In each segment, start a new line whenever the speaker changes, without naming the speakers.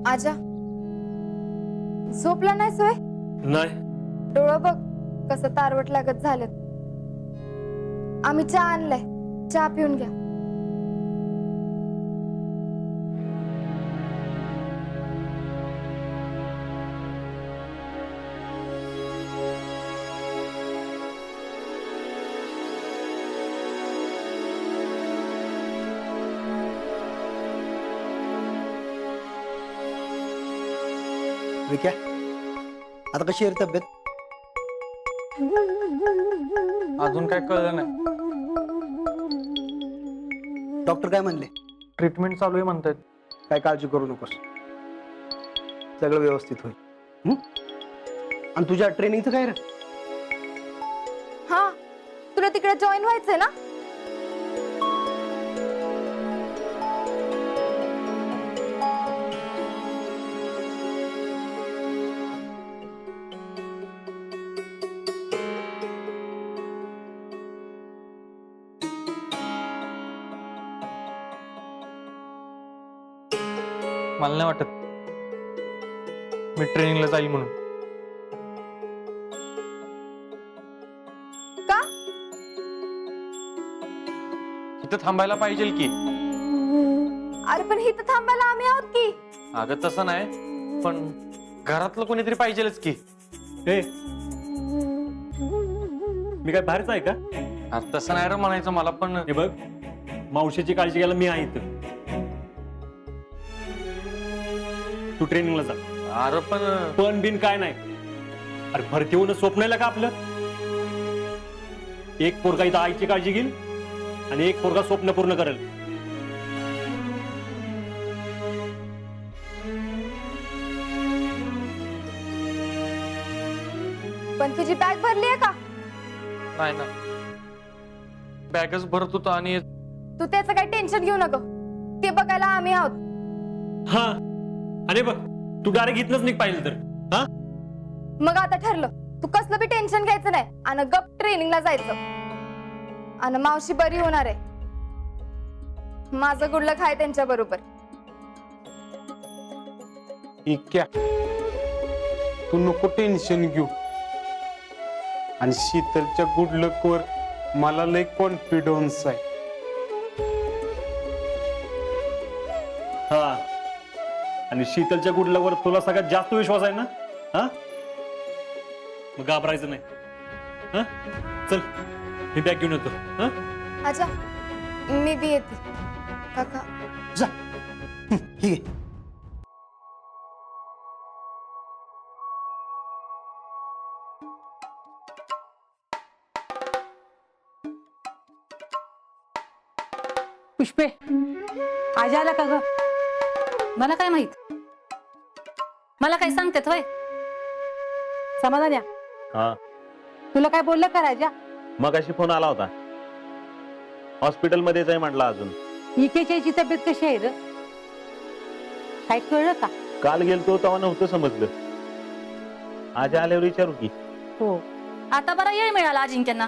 आजा, झोपला नाही सोय?
नाही.
डोळं बघ कसं तारवट लागत झालं. आम्ही चहा आणलाय, चहा पिऊन घ्या.
विक्या, आता कशी आहे रे तब्येत?
अजून काय कळलं नाही.
डॉक्टर काय म्हणले?
ट्रीटमेंट चालू आहे म्हणतात.
काय काळजी करू नकोस, सगळं व्यवस्थित होईल. आणि तुझ्या ट्रेनिंगचं काय रे?
हा, तुला तिकडे जॉईन व्हायचंय ना?
मला नाही वाटत मी ट्रेनिंगला जाईल म्हणून.
का?
इथं थांबायला पाहिजे की.
अरे पण इथं थांबायला आम्ही आहोत की.
अगं तसं नाही, पण घरातलं कोणीतरी पाहिजेलच की.
मी काय बाहेरच आहे का?
आता तसं नाही रे म्हणायचं मला, पण
हे बघ, मावशीची काळजी घ्यायला मी आहे इथं. तू ट्रेनिंगला जा.
अरे
पण बिन काय नाही. अरे भरती होणं स्वप्न आहे का आपलं? एक पोरगा इथं आईची काळजी घेईल आणि एक पोरगा स्वप्न पूर्ण करेल.
पण तुझी बॅग भरली आहे का?
नाही ना, बॅगच भरत होता. आणि
तू त्याचं काही टेन्शन घेऊ नको, ते बघायला आम्ही आहोत.
हा, अरे बघ, तू डायरेक्ट इथनच निघ पाहिजे तर. हा,
मग आता ठरलं, तू कसलं बी टेन्शन घ्यायचं नाही आणि गप ट्रेनिंगला जायचं. आणि मावशी बरी होणार आहे. माझं गुडलक आहे त्यांच्या बरोबर.
इक्या, तू नको टेन्शन घेऊ. आणि शीतलच्या गुड लक वर मला लय कॉन्फिडन्स आहे.
हा, आणि शीतलच्या गुडलावर तुला सगळ्यात जास्त विश्वास आहे ना? हा, मग घाबरायचं नाही. हा, चल मी बॅग घेऊन येतो. हा,
आजा, मी बी येते. काका,
जा. ठीक आहे.
पुष्पे, आज आला का ग?
मला काय माहित? मला काय सांगतेत वय?
समाधान्या,
हा,
तुला काय बोललं का राजा?
मगाशी फोन आला होता. हॉस्पिटल मध्येच आहे म्हटलं. अजून
इकेची तब्येत कशी आहे र? काय कळलं का?
काल गेलतो तेव्हा नव्हतं समजलं. आज आल्यावर विचारू की.
हो,
आता बरा येळ मिळाला अजिंक्यांना.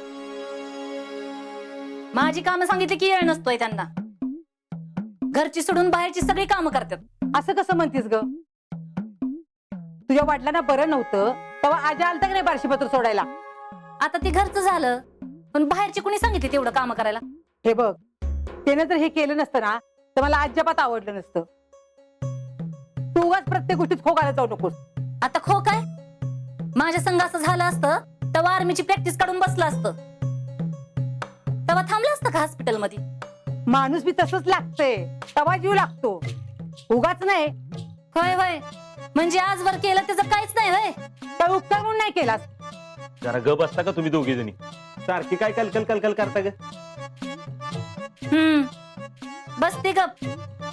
माझी कामं सांगितली की येळ नसतोय त्यांना. घरची सोडून बाहेरची सगळी कामं करतात.
असं कसं म्हणतीस ग? तुझ्या वडिलांना बरं नव्हतं तेव्हा आज आलता का नाही बार्शीपत्र सोडायला?
आता ते घरचं झालं, पण बाहेरची कुणी सांगितली तेवढं काम करायला?
हे बघ, त्याने जर हे केलं नसतं ना तर मला अजिबात आवडलं नसतं. तू उगाच प्रत्येक गोष्टीत खो घालत जाऊ नकोस.
आता खो काय? माझ्या संघ असं झालं असतं तेव्हा आर्मीची प्रॅक्टिस काढून बसलं असतं. तेव्हा थांबलं असतं का हॉस्पिटल मध्ये?
माणूस बी तसंच लागतंय, तवा जीव लागतो, उगाच नाही.
होय होय, म्हणजे आजवर केलं त्याचं काहीच नाही होय?
तर उपकार म्हणून नाही केलास.
जरा गप असता का तुम्ही दोघी जणी? सारखी काय कलकल कलकल करता ग?
बस ते गप.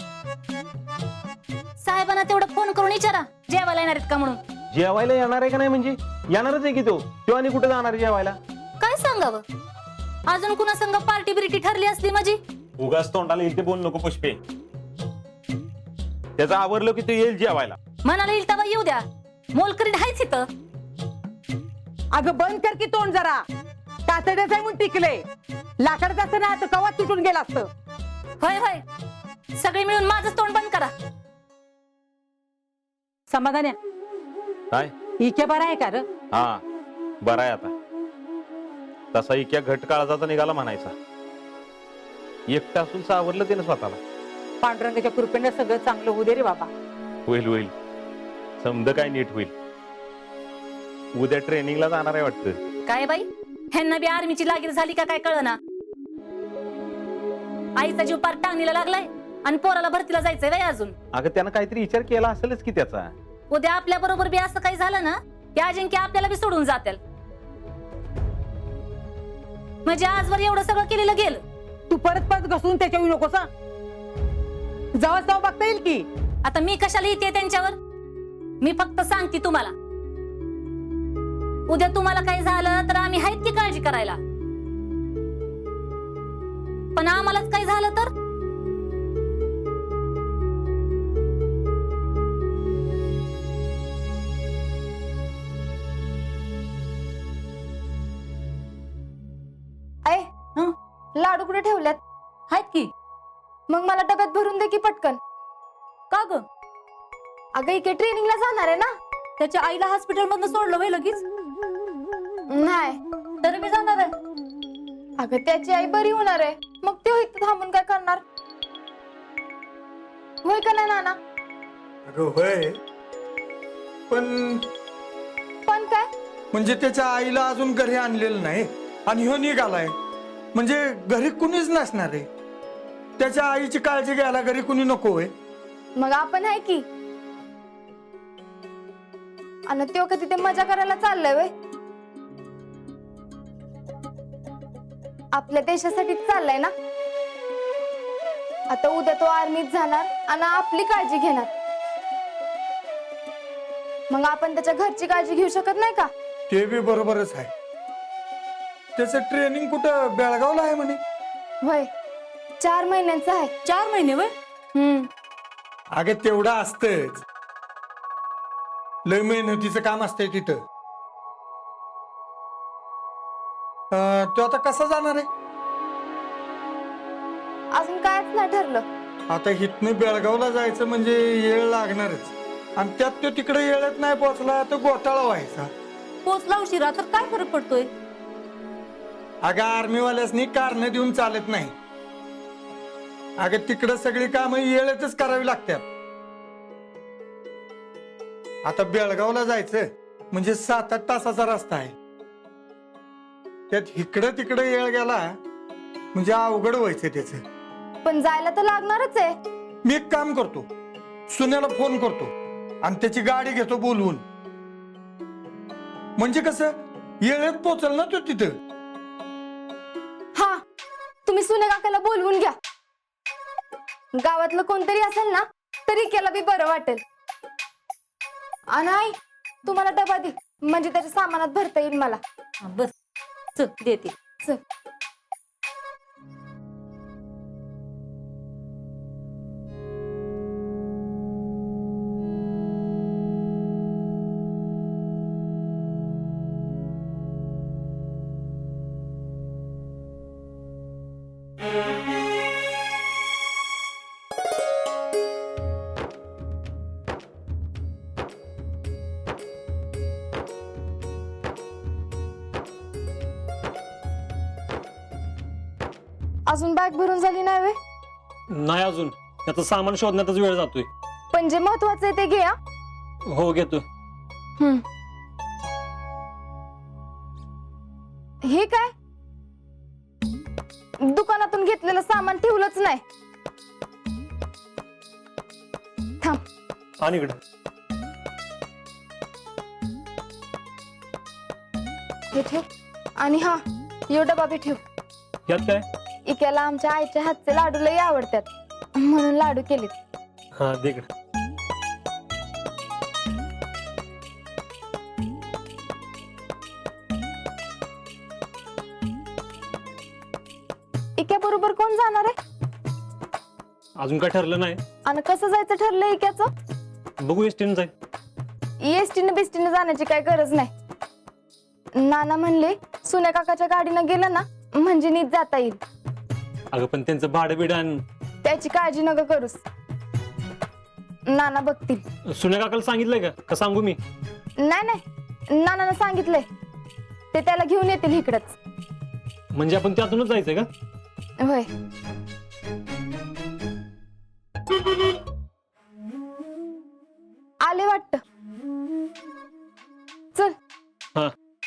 साहेबांना तेवढं फोन करून विचारा जेवायला येणार आहेत का म्हणून.
जेवायला येणार आहे का नाही? म्हणजे येणारच आहे की तो आणि कुठे जाणार जेवायला?
काय सांगावं? अजून कुणा संग पार्टी बिर्टी ठरली असली माझी?
उगाच तोंडाला येईल ते बोल नको पुष्पे. त्याचं आवरलं की तो येईल जेवायला.
मनाला येईल तेव्हा येऊ द्या, मोलकरीत हायच इथं.
अगं बंद कर की तोंड जरा. कातड्याचं आहे म्हणून टिकले. लाकडाचं असतं ना तर कवा तुटून गेलं असतं.
होय होय, सगळे मिळून माझं तोंड बंद करा.
समाधान
काय
इके बरा आहे का र?
हा बरा आहे आता. तसा इक्या घट काळजाचा निघाला म्हणायचा. एकटा असून सावरलं त्यानं स्वतःला.
पांडुरंगाच्या कृपेने सगळं चांगलं होऊ दे रे बाबा.
होईल होईल समज काय नीट होईल. उद्या ट्रेनिंगला जाणार आहे वाटतं.
काय बाई ह्यांना बी आर्मीची लागीर झाली का काय कळना. आईचा जीव पार टांगणीला लागलाय आणि पोराला भरतीला जायचंय बाई अजून.
अगं त्यानं काहीतरी विचार केला असेलच की त्याचा.
उद्या आपल्या बरोबर बी असं काही झालं ना की अजिंक्य आपल्याला बी सोडून जातील. म्हणजे आजवर एवढं सगळं केलेलं गेलं.
तू परत परत घसरून त्याच्यावर नकोस हं? जावं जावं बघता येईल की.
आता मी कशाला येते त्यांच्यावर. मी फक्त सांगते तुम्हाला उद्या तुम्हाला काही झालं तर आम्ही आहेत की काळजी करायला. पण आम्हालाच काही झालं तर
ऐ लाडू कुठे ठेवल्यात?
आहेत की.
मग मला डब्यात भरून दे की पटकन.
का ग
अगं इकडे ट्रेनिंगला जाणार आहे ना.
त्याच्या आईला हॉस्पिटल मधून सोडलं होय लगेच.
नाही
तर मी जाणार आहे.
अगं त्याची आई बरी होणार आहे मग ते इथं थांबून काय करणार. होय का नाही नाना?
अगं होय पण
पण काय
म्हणजे त्याच्या आईला अजून घरी आणलेलं नाही आणि ह्यो निघालाय म्हणजे घरी कुणीच नसणार आहे. त्याच्या आईची काळजी घ्यायला घरी कुणी नको होय.
मग आपण आहे की. आणि तो का तिथे मजा करायला चाललंय वय. आपल्या देशासाठी चाललाय ना. आता उद्या तो आर्मीत जाणार आणि आपली काळजी घेणार. मग आपण त्याच्या घरची काळजी घेऊ शकत नाही का?
ते बी बरोबरच आहे. त्याचं ट्रेनिंग कुठं बेळगावला आहे म्हणे.
होय 4 महिन्यांचं आहे.
4 महिने वय.
अगं तेवढं असतंच. लय मेहनतीचं काम असतंय तिथं. तो आता कसा जाणार आहे?
अजून कायच नाही ठरलं.
आता इथनं बेळगावला जायचं म्हणजे येळ लागणारच आणि त्यात तो तिकडे येळच नाही पोहोचला तर घोटाळा व्हायचा.
पोचला उशिरा तर काय फरक पडतोय.
अगं आर्मीवाल्यासनी कारण देऊन चालत नाही. अगं तिकडं सगळी कामं येळेतच करावी लागतात. आता बेळगावला जायचं म्हणजे 7-8 तासाचा रस्ता आहे. त्यात इकडं तिकडं येळ गेला म्हणजे अवघड व्हायचं त्याच.
पण जायला तर लागणारच आहे.
मी एक काम करतो सुन्याला फोन करतो आणि त्याची गाडी घेतो बोलवून. म्हणजे कसं येळेत पोचल ना तो तिथं.
हा तुम्ही सुने काकाला बोलवून घ्या. गावातलं कोणतरी असेल ना तरी केला बी बरं वाटेल. आणि आई तुम्हाला डबा दे म्हणजे त्याच्या सामानात भरता येईल मला.
बस चल देते.
चल. अजून बॅग भरून झाली नाही वे?
नाही अजून. त्याचं सामान शोधण्यातच वेळ जातोय.
पण जे महत्वाचं आहे ते घे.
हो घेतो.
हे काय दुकानातून घेतलेलं सामान ठेवलंच नाही. थांब
आणि इकडं
हे ठेव. आणि हा यो डबा बी ठेव.
यात काय?
इक्याला आमच्या आईच्या हातचे लाडू लई आवडतात म्हणून लाडू केलेत.
हा दे इकडं.
इक्या बरोबर कोण जाणार आहे?
अजून काय ठरलं नाही.
आणि कसं जायचं ठरलंय इक्याचं?
बघू एसटीने जाईल.
एसटीने बिस्टीने जाण्याची काय गरज नाही. नाना म्हणले सुन्या काकाच्या गाडीनं गेलं ना म्हणजे नीट जाता येईल.
अगं पण त्यांचं भाडं बिडं
त्याची काळजी नका करूस. नाना बघतील.
सुन्या काकाला सांगितलंय का सांगू मी?
नाही नानानं सांगितलंय ते त्याला घेऊन येतील इकडच.
म्हणजे आपण त्यातूनच जायचंय का?
होय. आले वाटत. चल.
हा.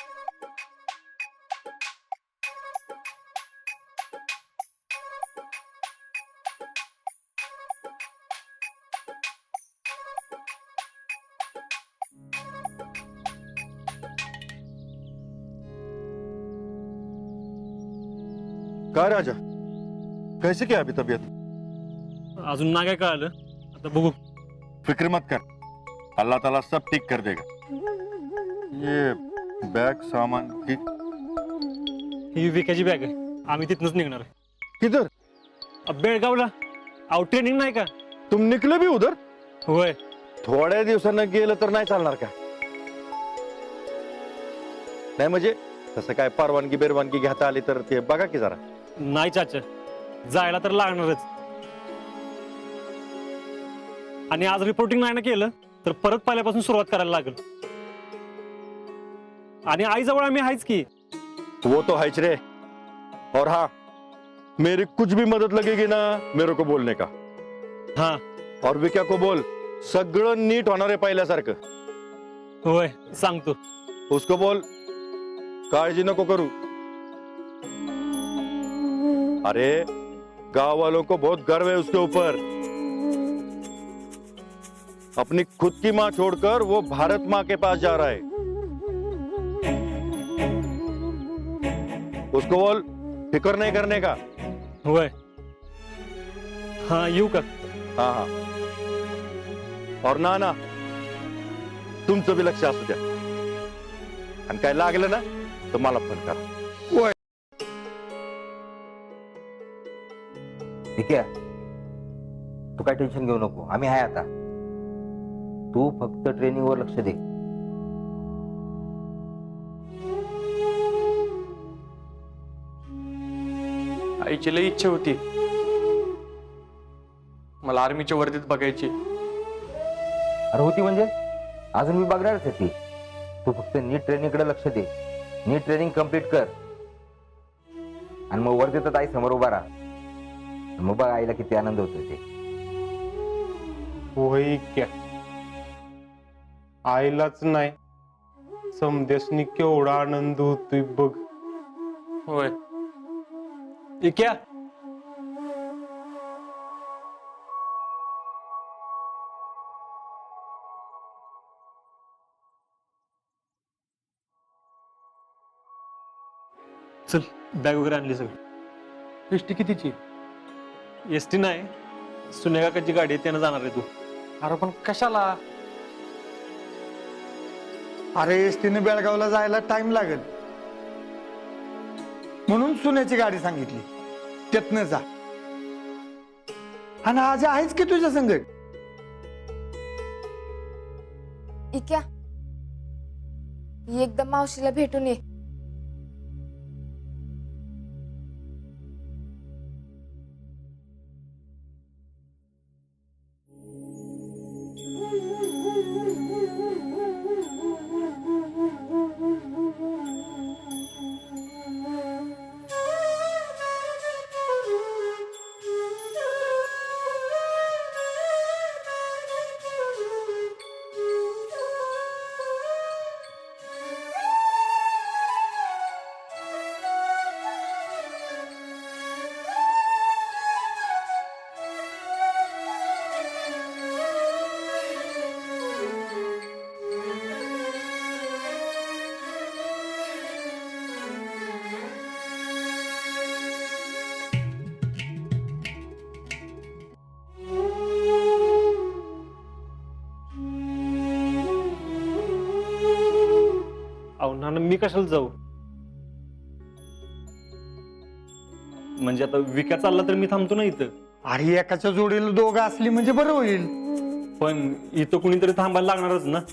का राजा, कैसे क्या अभी तबीयत?
अजून ना काय कळालं, आता बघू.
फिक्र मत कर, अल्लाह ताला सब ठीक कर देगा. ये बैग सामान की
ही विकायची बॅग आहे, आम्ही तिथनच निघणार आहे.
किधर?
बेळगावला. अहो ट्रेनिंग नाही का?
तुम निकले भी उधर?
होय.
थोड्या दिवसांना गेलं तर नाही चालणार का? नाही म्हणजे तसं काय परवानगी बेरवानगी घेता आली तर ते बघा की जरा.
नाही चाचा, जायला तर लागणारच. आणि आज रिपोर्टिंग नाही ना केलं तर परत पहिल्यापासून सुरुवात करायला लागेल. आणि आईजवळ आम्ही आहेच की.
वो तो है रे. और हाँ, मेरी कुछ भी मदद लगेगी ना मेरे को बोलने का.
हाँ.
और विक्या को बोल सगळं नीट होणार आहे पहिल्यासारखं.
होय सांगतो.
उसको बोल काळजी नको करू. अरे गांव वालों को बहुत गर्व है उसके ऊपर. अपनी खुद की माँ छोड़कर वो भारत माँ के पास जा रहा है. उसको बोल फिक्र नहीं करने का.
होय. हाँ येऊ का?
हाँ हाँ. और ना तुमचं बी लक्ष असू द्या. आणि काय लागलं ना तर मला फोन करा.
ठीक आहे, तू काय टेन्शन घेऊ नको, आम्ही आहे आता. तू फक्त ट्रेनिंग वर लक्ष दे.
आईची लई इच्छा होती मला आर्मीच्या वर्दीत बघायची.
अरे होती म्हणजे अजून मी बघणारच आहे ती. तू फक्त नीट ट्रेनिंग कडे लक्ष दे, नीट ट्रेनिंग कम्प्लीट कर आणि मग वर देतात आई समोर उभा राहा. मग बघ आईला किती आनंद होतो ते.
होय क्या, आईलाच नाही समदेशनी केवढा आनंद होतोय बघ.
होय.
इक्या, चल बॅग वगैरे आणली सगळी.
एसटी कितीची?
एसटी नाही, सुन्या काकाची गाडी आहे, त्यानं जाणार आहे तू.
अरे पण कशाला? अरे एसटीने बेळगावला जायला टाइम लागेल म्हणून सुन्याची गाडी सांगितली, त्यातनं जा. आणि आज आहेच की तुझ्या संगत.
इक्या, एकदम मावशीला भेटून ये.
नाना मी कशाला जाऊ? म्हणजे आता विका चालला तर मी थांबतो ना इथं.
अरे एकाच्या जोडीला दोघं असली म्हणजे बरं होईल.
पण इथं कुणीतरी थांबायला लागणारच ना.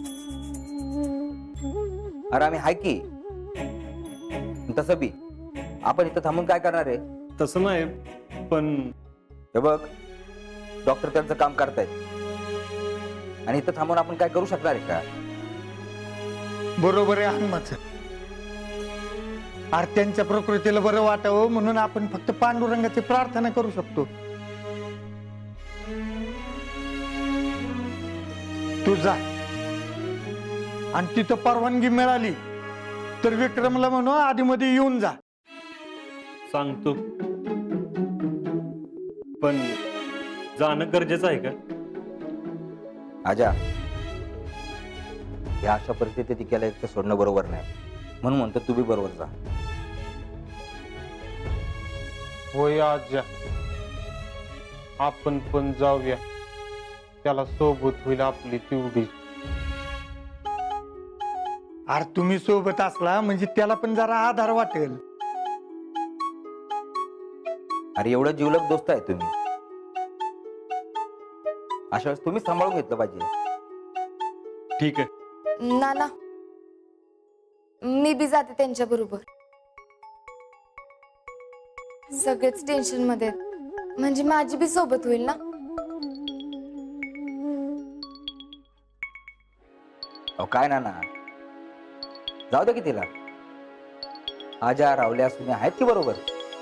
अरे आम्ही आहे की. तसं बी आपण इथं थांबून काय करणार आहे?
तसं नाही, पण
हे बघ, डॉक्टर त्यांचं काम करतायत. आणि इथं थांबून आपण काय करू शकणार आहे का?
बरोबर आहे हनुमाचं. आरत्यांच्या प्रकृतीला बरं वाटावं म्हणून आपण फक्त पांडुरंगाची प्रार्थना करू शकतो. तू जा आणि तिथं परवानगी मिळाली तर विक्रमला म्हणू आधीमध्ये येऊन जा.
सांगतो, पण जाणं गरजेचं आहे का?
आजा, या अशा परिस्थितीत इक्याला एकटं सोडणं बरोबर नाही, म्हणून म्हणतो तू बी बरोबर जा.
होय आज्या, आपण पण जाऊया, त्याला सोबत होईल आपली तेवढी.
अरे तुम्ही सोबत असला म्हणजे त्याला पण जरा आधार वाटेल.
अरे एवढं जिवलग दोस्त आहे तुम्ही, अशा वेळेस तुम्ही सांभाळून घेतलं पाहिजे.
ठीक आहे,
नाना, मी बी जाते त्यांच्या बरोबर. सगळेच टेन्शन मध्ये आहेत, म्हणजे माझी बी सोबत होईल ना.
अहो काय ना, जाऊ दे की तिला. आजा, रावल्या, सुने आहेत की बरोबर.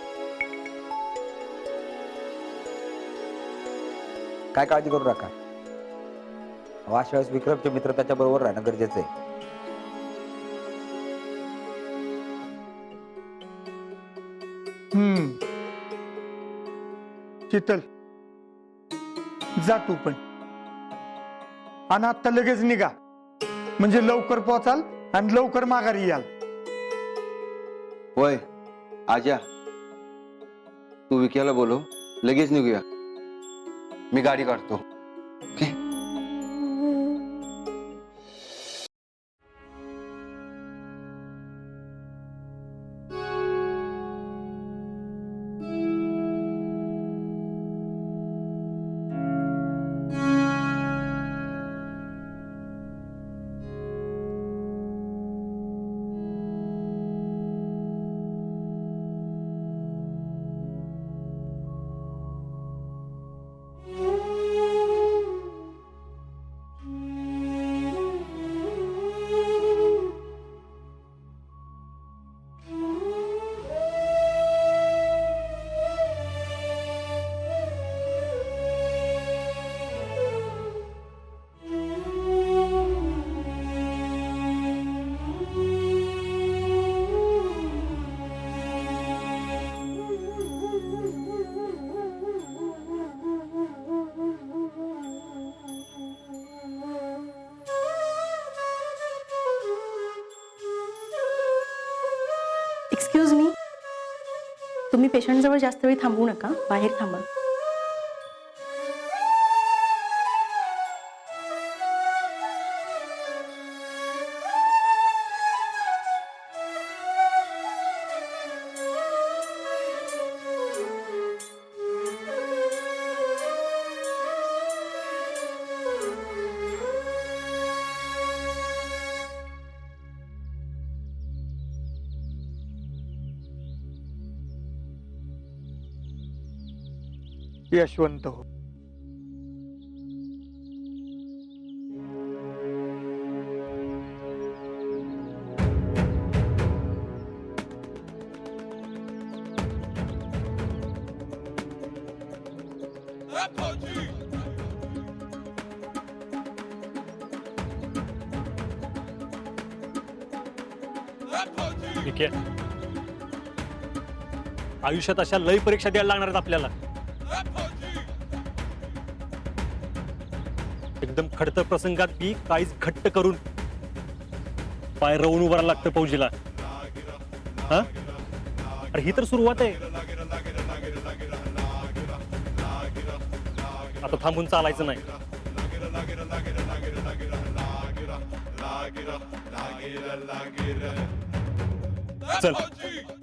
काय काळजी करू नका. अशा वेळेस विक्रमचे मित्र त्याच्या बरोबर राहणं गरजेचं आहे.
शीतल, जा तू पण, आणि आता लगेच निघा, म्हणजे लवकर पोहोचाल आणि लवकर माघारी याल.
होय आजा, तू विक्याला बोलव, लगेच निघूया. मी गाडी काढतो. ओके.
एक्सक्यूज मी, तुम्ही पेशंटजवळ जास्त वेळ थांबवू नका, बाहेर थांबा.
यशवंत हो.
ठीक आहे. आयुष्यात अशा लय परीक्षा द्यायला लागणार आहेत आपल्याला. एकदम खडतर प्रसंगात बी काहीच घट्ट करून पाय रवून उभं राहायला लागतं फौजीला. हा, अरे ही तर सुरुवात आहे. आता थांबून चालायचं नाही. चल.